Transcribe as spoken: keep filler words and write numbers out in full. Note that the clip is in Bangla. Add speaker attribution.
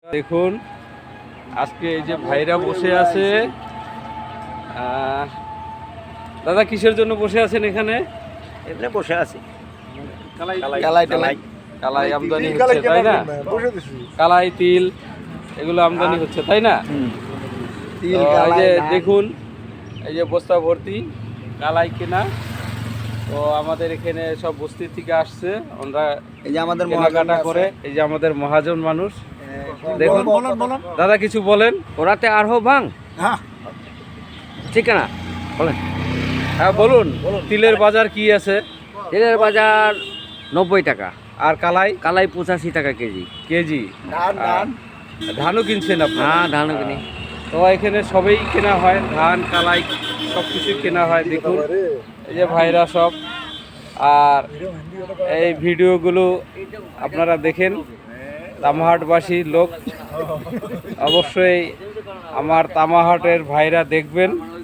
Speaker 1: দেখুন আজকে এই যে ভাইরা বসে আছে। দাদা কিসের জন্য বসে আছেন এখানে?
Speaker 2: এমনি বসে আছি,
Speaker 1: কালাই টালাই কালাই আমদানি হচ্ছে তাই না? কালাই তিল এগুলো আমদানি হচ্ছে তাই না? তো এই যে দেখুন এই যে বস্তা ভর্তি কালাই কেনা। তো আমাদের এখানে সব বস্তি থেকে আসছে, ওরা
Speaker 2: এই যে আমাদের
Speaker 1: কেনাকাটা করে। এই যে আমাদের মহাজন মানুষ দেখুন। দাদা কিছু বলেন।
Speaker 2: ওরাতে আর হো ভাঙ ঠিক না বলেন।
Speaker 1: হ্যাঁ বলুন, তিলের বাজার কি আছে?
Speaker 2: তেলের বাজার নব্বই টাকা,
Speaker 1: আর কালাই
Speaker 2: কালাই পঁচাশি টাকা কেজি।
Speaker 1: কেজি। আর ধানও কিনছেন আপনি?
Speaker 2: হ্যাঁ ধানও কিনি।
Speaker 1: তো এখানে সবই কেনা হয়, ধান কালাই সব কিছুই কেনা হয়। দেখুন এই যে ভাইরা সব। আর এই ভিডিওগুলো আপনারা দেখেন, তামাহাটবাসী লোক অবশ্যই আমার তামাহাটের ভাইরা দেখবেন।